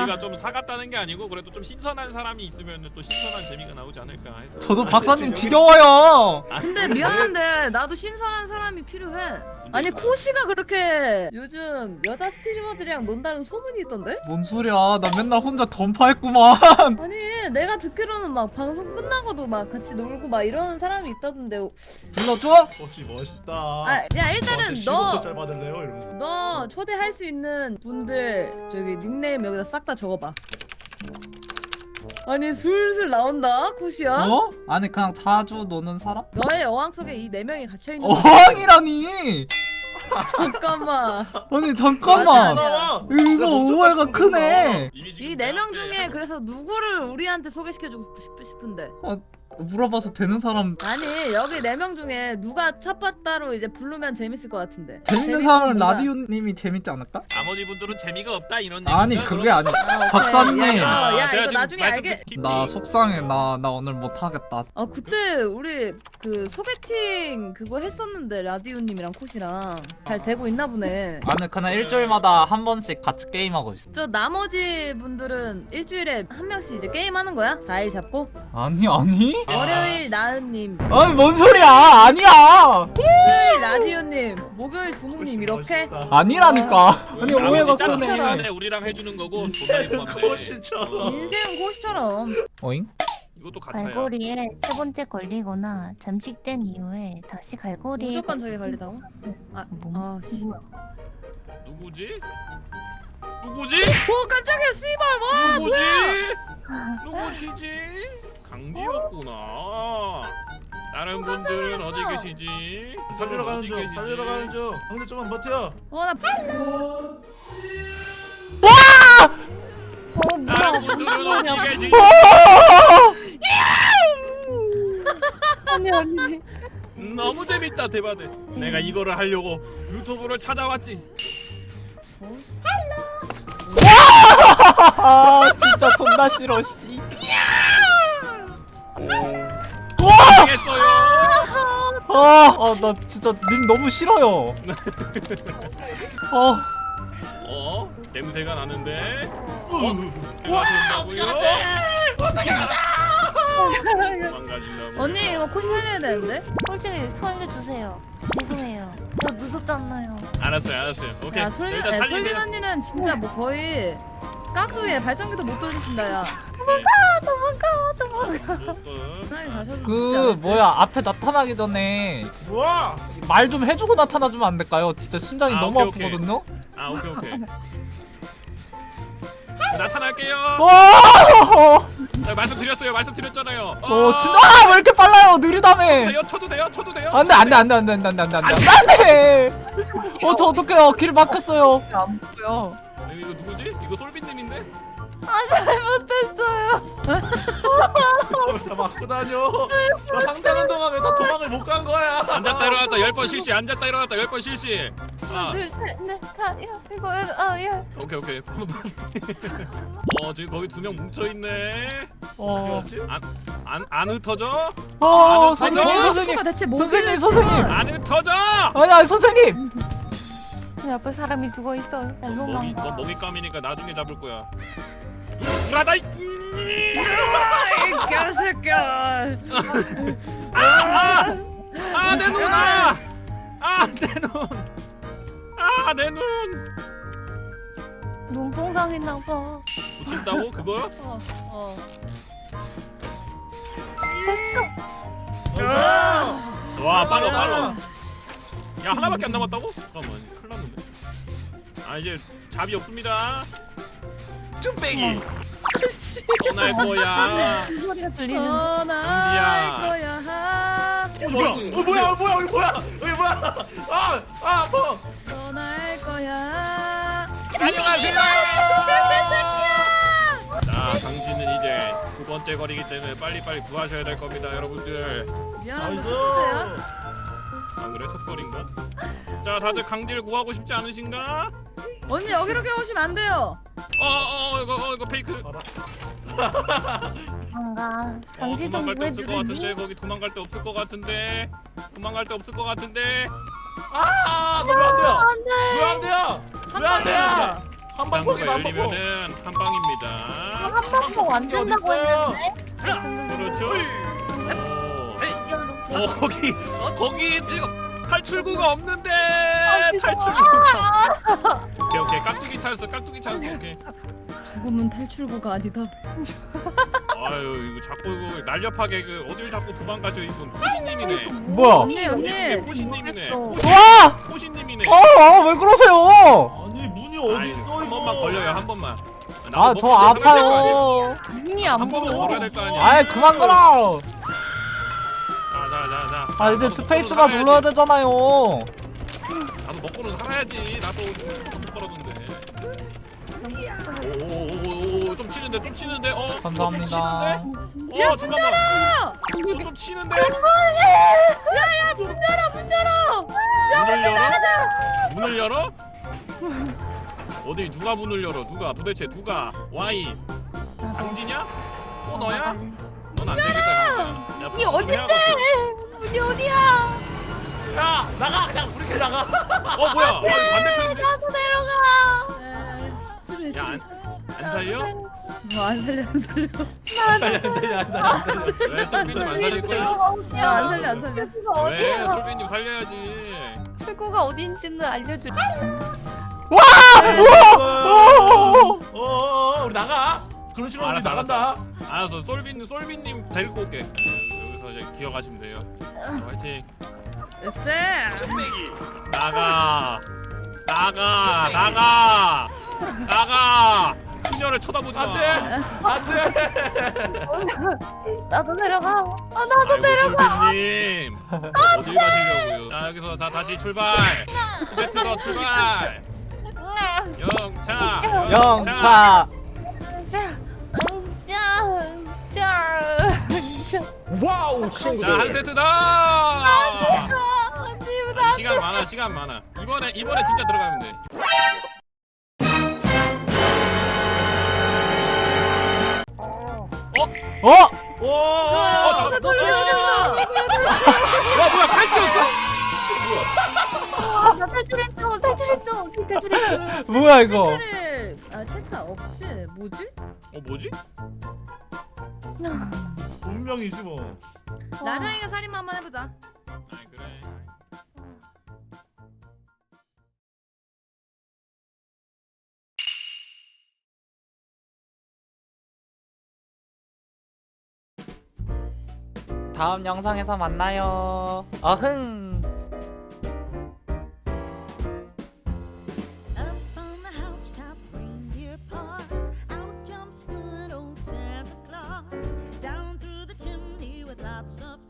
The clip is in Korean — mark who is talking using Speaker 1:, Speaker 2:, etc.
Speaker 1: 저희가 좀 사갔다는 게 아니고 그래도 좀 신선한 사람이 있으면 또 신선한 재미가 나오지 않을까 해서.
Speaker 2: 저도 박사님 지겨워요.
Speaker 3: 근데 미안한데 나도 신선한 사람이 필요해. 아니 코시가 그렇게 요즘 여자 스트리머들이랑 논다는 소문이 있던데?
Speaker 2: 뭔 소리야? 나 맨날 혼자 던파했구만.
Speaker 3: 아니 내가 듣기로는 막 방송 끝나고도 막 같이 놀고 막 이러는 사람이 있다던데.
Speaker 2: 불러줘?
Speaker 4: 혹시 멋있다.
Speaker 3: 아, 야 일단은 너
Speaker 4: 짤 받을래요? 이러면서.
Speaker 3: 너 초대할 수 있는 분들 저기 닉네임 여기다 싹 다 적어봐. 아니 슬슬 나온다 코시야.
Speaker 2: 어? 아니 그냥 자주 노는 사람?
Speaker 3: 너의 어항 속에 이 네 명이 갇혀 있는.
Speaker 2: 어항이라니.
Speaker 3: 잠깐만.
Speaker 2: 아니 잠깐만.
Speaker 3: 맞아.
Speaker 2: 이거 오해가 크네.
Speaker 3: 이 네 명 중에 그래서 누구를 우리한테 소개시켜주고 싶은데.
Speaker 2: 물어봐서 되는 사람.
Speaker 3: 아니 여기 네 명 중에 누가 첫 바따로 이제 부르면 재밌을 것 같은데.
Speaker 2: 재밌는 사람은 라디오님이 재밌지 않을까?
Speaker 1: 나머지 분들은 재미가 없다 이런
Speaker 2: 아니
Speaker 1: 얘기인가,
Speaker 2: 그게 아니.
Speaker 3: 아, 오케이.
Speaker 2: 박사님.
Speaker 3: 야
Speaker 1: 제가
Speaker 3: 이거
Speaker 1: 지금
Speaker 3: 나중에 알게.
Speaker 1: 말씀드린
Speaker 2: 나 속상해. 나 오늘 못 하겠다.
Speaker 3: 그때 우리 그 소개팅 그거 했었는데 라디오님이랑 코시랑 잘 되고 있나 보네.
Speaker 2: 아니 그냥 일주일마다 한 번씩 같이 게임하고 있어.
Speaker 3: 저 나머지 분들은 일주일에 한 명씩 이제 게임하는 거야? 4일 잡고?
Speaker 2: 아니.
Speaker 3: 월요일 나은님,
Speaker 2: 아니 뭔 소리야? 아니야.
Speaker 3: 수요일 라디오님, 목요일 두목님 이렇게?
Speaker 4: 멋있다.
Speaker 2: 아니라니까. 아니
Speaker 1: 나머지
Speaker 2: 오해가
Speaker 1: 짤
Speaker 2: 크네.
Speaker 1: 시간에 우리랑 해주는 거고 돈이 포함돼.
Speaker 4: 코시처럼.
Speaker 3: 인생은 코시처럼.
Speaker 2: 어잉?
Speaker 1: 이것도 가차야.
Speaker 5: 갈고리에 세 번째 걸리거나 잠식된 이후에 다시 갈고리에
Speaker 3: 무조건 저게 걸리다고?
Speaker 5: 뭐?
Speaker 3: 씨.
Speaker 1: 누구지? 누구지?
Speaker 3: 오 깜짝이야 씨발 와
Speaker 1: 누구지?
Speaker 3: 뭐야?
Speaker 1: 누구시지? 강지였구나. 다른 분들은 어디 계시지?
Speaker 4: 살리러 가는
Speaker 1: 어디
Speaker 4: 중.
Speaker 1: 계시지?
Speaker 4: 살리러 가는 중. 형들 좀만 버텨.
Speaker 3: 나
Speaker 1: 다른 분들은 어디 계시지?
Speaker 5: 아니 아니
Speaker 1: 너무 재밌다 대박네. 내가 이거를 하려고 유튜브를 찾아왔지.
Speaker 2: 아 진짜 존나 싫어 씨.
Speaker 1: 알겠어요.
Speaker 2: 나 진짜 님 너무 싫어요.
Speaker 1: 냄새가 나는데.
Speaker 4: 와,
Speaker 1: 된다고요?
Speaker 4: 어떻게
Speaker 1: 망가진다고.
Speaker 3: 언니 이거 코시 살려야 되는데?
Speaker 5: 솔직히 살려주세요. 죄송해요. 저 늦었잖아요.
Speaker 1: 알았어요. 오케이.
Speaker 3: 야 솔빈
Speaker 1: 일단
Speaker 3: 솔빈
Speaker 1: 살리세요.
Speaker 3: 언니는 진짜 뭐 거의 깍두기에 발전기도 못 돌리신다 야. 편하게 가셔도
Speaker 2: 그 뭐야 앞에 나타나기 전에
Speaker 4: 와!
Speaker 2: 말 좀 해주고 나타나주면 안 될까요? 진짜 심장이 너무
Speaker 1: 오케이.
Speaker 2: 아프거든요.
Speaker 1: 아 오케이. 나타날게요.
Speaker 2: 와!
Speaker 1: 자, 말씀드렸잖아요.
Speaker 2: 진짜 왜 이렇게 빨라요? 느리다며.
Speaker 1: 쳐도 돼요.
Speaker 2: 안돼. 저 어떡해요? 길 막혔어요.
Speaker 3: 안 보여.
Speaker 1: 이거 누구지? 이거 솔빈님인데?
Speaker 5: 잘못했어요.
Speaker 4: 다 맞고 다녀. 나 상대하는 동안 왜 다 도망을 못 간 거야?
Speaker 1: 앉았다 일어났다 10번 실시. 앉았다 일어났다 10번 실시.
Speaker 5: 둘셋넷 다 이거 예.
Speaker 1: 오케이. 지금 거기 2명 뭉쳐 있네. 안 흩어져?
Speaker 2: 선생님.
Speaker 3: 가 대체 뭐
Speaker 2: 선생님.
Speaker 1: 안 흩어져?
Speaker 2: 아니 선생님.
Speaker 5: 내 앞에 사람이 죽어 있어. 나
Speaker 1: 너
Speaker 5: 도망가.
Speaker 1: 먹잇감이니까 나중에 잡을 거야. 불하다.
Speaker 3: 이 개새끼야.
Speaker 1: 내 눈. 내 눈.
Speaker 5: 눈뽕 당했나 봐.
Speaker 1: 붙인다고 그거?
Speaker 5: 됐어.
Speaker 1: 와 빨라. 야 하나밖에 안 남았다고? 잠깐만 큰일 났는데. 이제 잡이 없습니다.
Speaker 4: 쭈빼기.
Speaker 1: 떠날 거야.
Speaker 5: 소리가 들리는.
Speaker 1: 강지야.
Speaker 3: 거야.
Speaker 4: 뭐야? 아파.
Speaker 3: 떠날 거야.
Speaker 1: 안녕하세요. 자 강지는 이제 2번째 거리기 때문에 빨리빨리 구하셔야 될 겁니다 여러분들.
Speaker 3: 미안한데
Speaker 4: 나이스.
Speaker 3: 첫째야?
Speaker 1: 안 그래 첫 거리인가? 자 다들 강지를 구하고 싶지 않으신가?
Speaker 3: 언니 여기로 오시면 안 돼요.
Speaker 1: 이거 페이크.
Speaker 5: 뭔가 강지 좀
Speaker 1: 도망갈 데 없을 것 같은데
Speaker 5: 구해주겠니?
Speaker 1: 거기 도망갈 데 없을 것 같은데.
Speaker 4: 너 왜 안 돼요? 왜 안 돼요?
Speaker 3: 한 방이야.
Speaker 4: 한방 포기
Speaker 1: 당구가
Speaker 4: 한방 포.
Speaker 1: 열리면은 한 방입니다.
Speaker 5: 한방폭 안 된다고
Speaker 4: 어딨어요?
Speaker 5: 했는데?
Speaker 1: 그렇죠. 오,
Speaker 5: 어,
Speaker 1: 거기 탈출구가 없는데
Speaker 5: 이거.
Speaker 1: 탈출구가. 오케이 깍두기 찬스 오케이.
Speaker 3: 죽음은 탈출구가 아니다.
Speaker 1: 아유 이거 자꾸 이거 날렵하게 그 어딜 자꾸 도망가죠 이분 코시님이네.
Speaker 2: 뭐야?
Speaker 3: 언니 언니.
Speaker 1: 코시님이네.
Speaker 2: 와!
Speaker 1: 코시님이네.
Speaker 2: 왜 그러세요?
Speaker 4: 아니 문이
Speaker 1: 아이,
Speaker 4: 어디 있어
Speaker 1: 한
Speaker 4: 이거?
Speaker 1: 번만 걸려요 한 번만.
Speaker 2: 아 저 아파요.
Speaker 5: 눈이 안
Speaker 1: 한 번만
Speaker 5: 보여.
Speaker 1: 걸어야 될 거 아니야.
Speaker 2: 아이 그만 걸어.
Speaker 1: 자.
Speaker 2: 아 이제 스페이스바 눌러야 되잖아요.
Speaker 1: 나도 먹고는 살아야지. 나도 못 걸었는데. 오오오오 좀 치는데.
Speaker 2: 감사합니다.
Speaker 1: 잠깐만. 좀 치는데.
Speaker 3: 야야 문 열어.
Speaker 1: 문을 열어? 어디 누가 문을 열어? 도대체 누가? Y 강진이야? 너야? 넌 안 되겠다. 야,
Speaker 3: 이 어딘데? 문이 어디야?
Speaker 4: 야 나가 그냥 우리끼리 나가.
Speaker 1: 뭐야? 반대편인데?
Speaker 5: 나도 내려가.
Speaker 1: 야, 안 살려?
Speaker 3: 안 살려.
Speaker 4: 안 살려.
Speaker 1: 왜 솔빈님 안 살릴 거야?
Speaker 3: 안 살려.
Speaker 1: 왜 솔빈님 살려야지.
Speaker 5: 출구가 어딘지는 알려줄.
Speaker 4: 우리 나가. 그런 식으로 우리
Speaker 1: 알았어,
Speaker 4: 나간다.
Speaker 1: 알았어, 솔빈님 데리고 올게. 여기서 이제 기어가시면 돼요. 화이팅.
Speaker 3: 쎄.
Speaker 1: 나가. 그녀를 쳐다보지 마.
Speaker 4: 안돼.
Speaker 5: 나도 내려가. 나도 내려가.
Speaker 1: 솔빈님 어딜 가시려고요? 자 여기서 다시 출발. 세트더 출발. 영차.
Speaker 2: 영차.
Speaker 6: 와우 친구들.
Speaker 1: 자 한 세트 더. 아니,
Speaker 5: 나
Speaker 1: 시간 많아. 이번에 진짜 들어가면 돼.
Speaker 2: 어?
Speaker 1: 와 뭐야 팔찌였어?
Speaker 5: 나 탈출했어. 어떻게 탈출했어?
Speaker 2: 뭐야 이거?
Speaker 3: 체크 없지. 뭐지?
Speaker 1: 뭐지?
Speaker 4: 운명이지 뭐.
Speaker 3: 나장이가 살인 한번 해보자.
Speaker 1: 아 그래.
Speaker 2: 다음 영상에서 만나요. 어흥.
Speaker 7: Up on the housetop, reindeer paws. Out jumps good old Santa Claus. Down through the chimney with lots of